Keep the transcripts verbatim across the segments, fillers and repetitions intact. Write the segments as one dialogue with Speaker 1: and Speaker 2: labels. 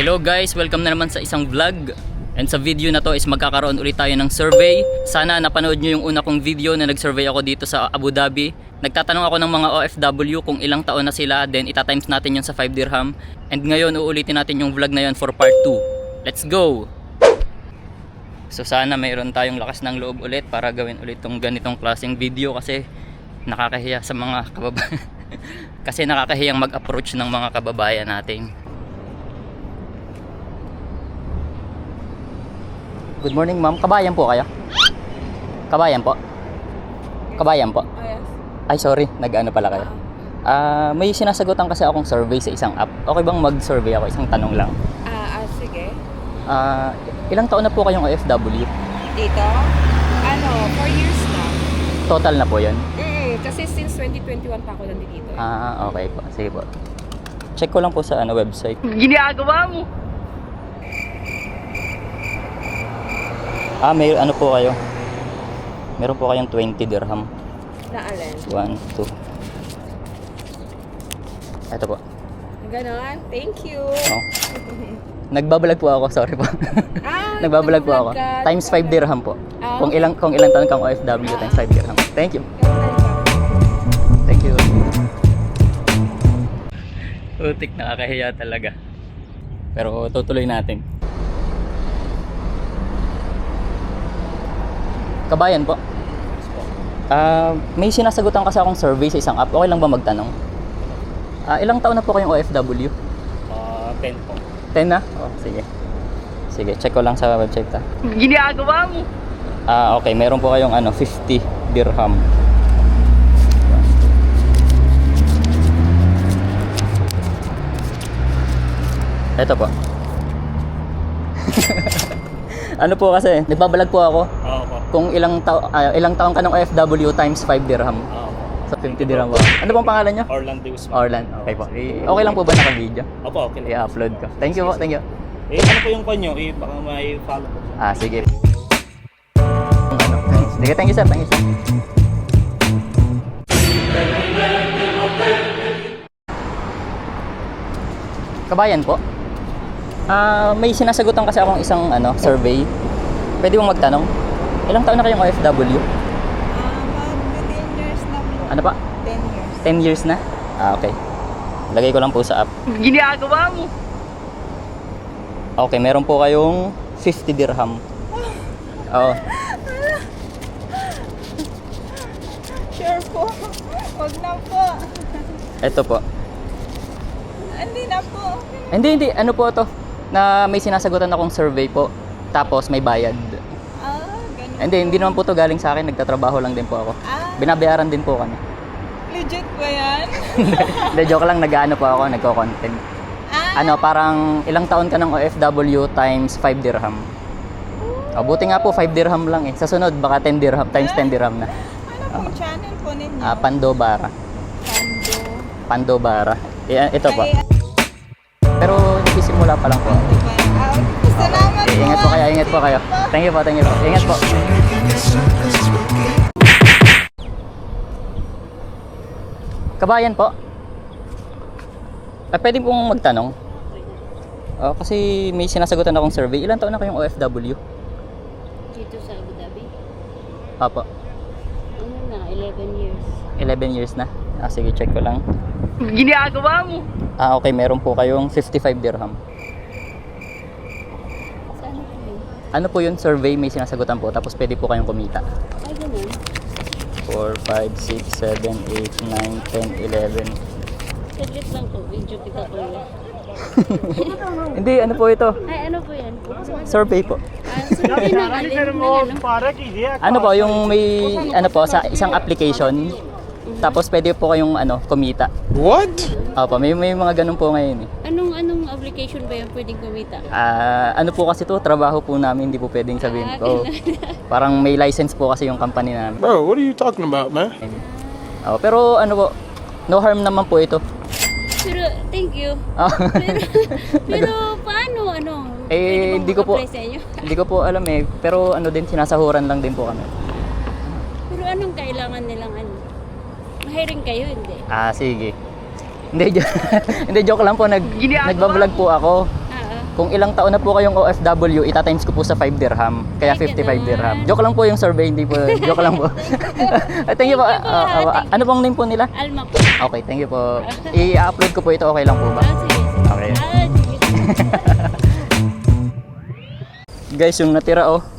Speaker 1: Hello guys, welcome na naman sa isang vlog. And sa video na to is magkakaroon ulit tayo ng survey. Sana napanood nyo yung una kong video na nag-survey ako dito sa Abu Dhabi. Nagtatanong ako ng mga O F W kung ilang taon na sila, then ita-times natin yun sa five dirham. And ngayon uulitin natin yung vlog na yun for part two. Let's go! So sana mayroon tayong lakas ng loob ulit para gawin ulit tong ganitong klaseng video kasi nakakahiya sa mga kababayan. Kasi nakakahiyang mag-approach ng mga kababayan natin. Good morning ma'am, kabayan po kayo? Kabayan po? Kabayan po?
Speaker 2: Oh, yes.
Speaker 1: Ay sorry, nag-ano pala kayo? Ah, uh, may sinasagutan kasi akong survey sa isang app. Okay bang mag-survey ako? Isang tanong lang.
Speaker 2: Ah, ah, sige.
Speaker 1: Ah, uh, ilang taon na po kayong O F W?
Speaker 2: Dito? Ano, four years na.
Speaker 1: Total na po yun?
Speaker 2: Mm, kasi since twenty twenty-one pa ako nandito eh.
Speaker 1: Ah, okay po. Sige po. Check ko lang po sa ano website.
Speaker 2: Ginagawa mo!
Speaker 1: Ah, may ano po kayo? Meron po kayong twenty dirham.
Speaker 2: Na alin?
Speaker 1: one, two. Ito po.
Speaker 2: Ganon, thank you.
Speaker 1: Oh. Nagbabalag po ako, sorry po.
Speaker 2: Ah,
Speaker 1: Nagbabalag po ako.
Speaker 2: ka.
Speaker 1: Times five dirham po.
Speaker 2: Ah,
Speaker 1: Kung
Speaker 2: okay.
Speaker 1: ilang kung ilang taon kang O F W times five dirham. Thank you. Thank you. Utik, nakakahiya talaga. Pero tutuloy natin. Kabayan po. Ah, uh, may sinasagutan kasi akong survey sa isang app. Okay lang ba magtanong? Ah, uh, ilang taon na po kayong O F W?
Speaker 3: Ah, uh, ten po.
Speaker 1: ten na? Oh, sige. Sige, check ko lang sa website ta.
Speaker 2: Ginagawa mo!
Speaker 1: Ah, okay, meron po kayong ano, fifty dirham. Ito po. Ano po kasi, nagbabalag po ako.
Speaker 3: Oo po.
Speaker 1: Kung ilang tao uh, ilang taon ka ng O F W times five dirham.
Speaker 3: Oo po.
Speaker 1: So fifty dirham po. Ano pong pangalan niyo?
Speaker 3: Orlando Usman.
Speaker 1: Orlan. Okay po. I- okay lang po ba naka-video?
Speaker 3: Opo, okay lang.
Speaker 1: I-upload ko. Thank you po, thank you.
Speaker 3: Eh, ano po yung kanyo? Eh, baka may follow po.
Speaker 1: Ah, sige. Ano? Sige, thank you sir, thank you sir. Kabayan po. Ah, may sinasagutan kasi akong isang ano, survey. Pwede mong magtanong? Ilang taon na kayong O F W?
Speaker 2: Ah, mag-ten years na po.
Speaker 1: Ano pa?
Speaker 2: ten years.
Speaker 1: ten years na? Ah, okay. Lagay ko lang po sa app.
Speaker 2: Ginagawa mo!
Speaker 1: Okay, meron po kayong fifty dirham. Oo.
Speaker 2: Sure po. Huwag na po.
Speaker 1: Ito po.
Speaker 2: Hindi na po.
Speaker 1: Hindi, hindi. Ano po to? Na may sinasagutan akong survey po. Tapos may bayad.
Speaker 2: Ah, ganun.
Speaker 1: Hindi, hindi naman po to galing sa akin. Nagtatrabaho lang din po ako.
Speaker 2: Ah,
Speaker 1: Binabayaran din po kami.
Speaker 2: legit ba yan?
Speaker 1: Hindi, joke lang. Nag-ano po ako. Nagko-content.
Speaker 2: Ah,
Speaker 1: Ano, parang ilang taon ka ng O F W times five dirham. O, buti nga po five dirham lang eh. Sa sunod, baka ten dirham times ten dirham na.
Speaker 2: ano po channel po ninyo?
Speaker 1: Ah, Pandobara.
Speaker 2: Pando.
Speaker 1: Pandobara. I- ito po.
Speaker 2: Ay,
Speaker 1: Pero nagsisimula pa lang po.
Speaker 2: ano ba yan? Ah, salamat
Speaker 1: Eh, ingat po kayo, ingat po kayo. Thank you po, thank you po. Ingat po. Kabayan po. Ah, pwede pong magtanong. Ah, kasi may sinasagutan akong survey. Ilan taon na kayong O F W?
Speaker 4: Dito sa Abu Dhabi?
Speaker 1: Apo,
Speaker 4: Ano na, eleven years.
Speaker 1: eleven years na. Ah, sige, check ko lang.
Speaker 2: ginagawa mo?
Speaker 1: Ah, okay, meron po kayong fifty-five dirham.
Speaker 4: Saan po yun?
Speaker 1: Ano po yun? Survey, may sinasagutan po. Tapos pwede po kayong kumita.
Speaker 4: Ay, ganun.
Speaker 1: four, five, six, seven, eight, nine, ten, eleven.
Speaker 4: Saglit lang po, video kita ko yun.
Speaker 1: Hindi, ano po ito?
Speaker 4: Ay, ano po yan?
Speaker 1: Survey po.
Speaker 4: Ah, sabi ng alin ng ano?
Speaker 1: Ano po, yung may, ano po, sa isang application. Tapos pwede po kayong, ano, kumita.
Speaker 5: What?
Speaker 1: Opo, may, may mga ganun po ngayon eh.
Speaker 4: Anong, anong application ba yan pwedeng kumita?
Speaker 1: Ah, ano po kasi to, trabaho po namin, hindi po pwedeng sabihin ko. Parang may license po kasi yung company namin.
Speaker 5: Bro, what are you talking about, man?
Speaker 1: Oh, pero ano po, no harm naman po ito.
Speaker 4: Pero, thank you.
Speaker 1: Oh.
Speaker 4: Pero, pero paano, ano?
Speaker 1: Eh,
Speaker 4: Pwede bang
Speaker 1: hindi ko po-
Speaker 4: mag-apply sa inyo?
Speaker 1: Hindi ko po alam eh, pero ano din, sinasahuran lang din po kami.
Speaker 4: Pero anong kailangan nilang ano? Mahiring kayo, hindi?
Speaker 1: Ah, sige. Hindi, jo- hindi joke lang po, nag, nagbablog po ako.
Speaker 4: Ah, ah.
Speaker 1: kung ilang taon na po kayong O F W, itatimes ko po sa five dirham. Kaya
Speaker 4: Ay,
Speaker 1: fifty-five
Speaker 4: ganun.
Speaker 1: dirham. Joke lang po yung survey, hindi po. Joke lang po. Ay, thank you po.
Speaker 4: Thank you po,
Speaker 1: Ah, ah,
Speaker 4: thank you.
Speaker 1: ano pong name po nila?
Speaker 4: Alma po.
Speaker 1: Okay, thank you po. I-upload ko po ito, okay lang po ba?
Speaker 4: Ah, sige, sige.
Speaker 1: Okay.
Speaker 4: Ah, sige.
Speaker 1: Guys, yung natira oh,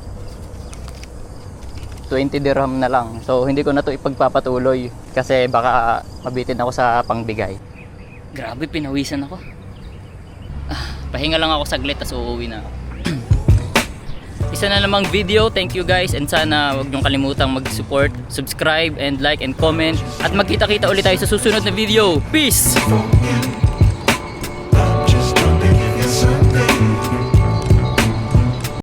Speaker 1: twenty dirham na lang. So, hindi ko na to ipagpapatuloy kasi baka mabitin ako sa pangbigay. Grabe, pinawisan ako. Ah, pahinga lang ako saglit, tas uuwi na ako. Isa na namang video. Thank you guys, and sana wag niyong kalimutang mag-support, subscribe, and like, and comment. At magkita-kita ulit tayo sa susunod na video. Peace!